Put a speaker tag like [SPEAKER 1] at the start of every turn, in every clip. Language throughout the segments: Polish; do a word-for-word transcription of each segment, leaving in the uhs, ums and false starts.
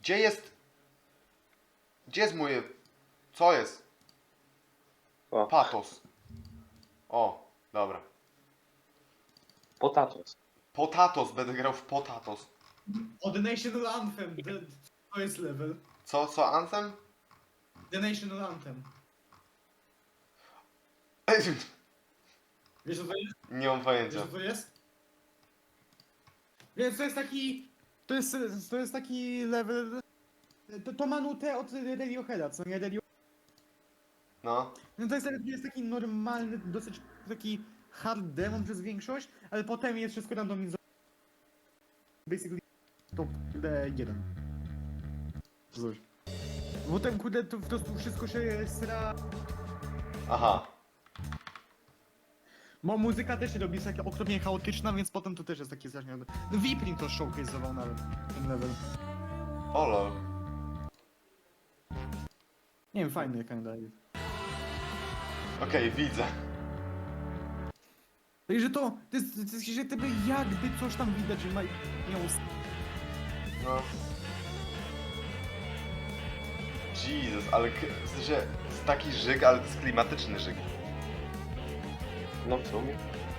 [SPEAKER 1] Gdzie jest... Gdzie jest moje... Co jest?
[SPEAKER 2] O,
[SPEAKER 1] Patos. O, dobra.
[SPEAKER 2] potatos.
[SPEAKER 1] Potatos, będę grał w Potatos.
[SPEAKER 3] O, The National Anthem. The, to jest level.
[SPEAKER 1] Co, co, Anthem?
[SPEAKER 3] The National Anthem. Wiesz co to jest?
[SPEAKER 1] Nie mam
[SPEAKER 3] Wiesz
[SPEAKER 1] pojęcia.
[SPEAKER 3] co to jest? Więc to jest taki... To jest, to jest taki level... To, to ma nutę od Radioheada, co nie? Radio...
[SPEAKER 1] No.
[SPEAKER 3] No to jest, jest taki normalny, dosyć taki hard demon przez większość, ale potem jest wszystko randomizowane. Basically to kurde jeden. Coś. Potem kurde to po prostu wszystko się sra...
[SPEAKER 1] Aha.
[SPEAKER 3] Bo muzyka też się robi jest taka okropnie chaotyczna, więc potem to też jest takie strasznie... No Viprim to showcase'ował nawet ten level.
[SPEAKER 1] O lol.
[SPEAKER 3] Nie wiem, fajny kinda jest.
[SPEAKER 1] Okej, widzę.
[SPEAKER 3] Także to, to jest, to jest, że tebe jakby coś tam widać, że ma... miał...
[SPEAKER 1] No. Jezus, ale k- w sensie, jest taki żyg, ale to jest klimatyczny żyg.
[SPEAKER 2] No w sumie.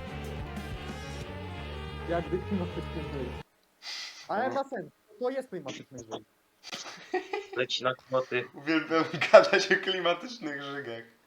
[SPEAKER 3] Jakby klimatyczny żył. Ale ma sens, to jest klimatyczny żył.
[SPEAKER 2] Leci na kłoty.
[SPEAKER 1] Uwielbiam gadać o klimatycznych żygach.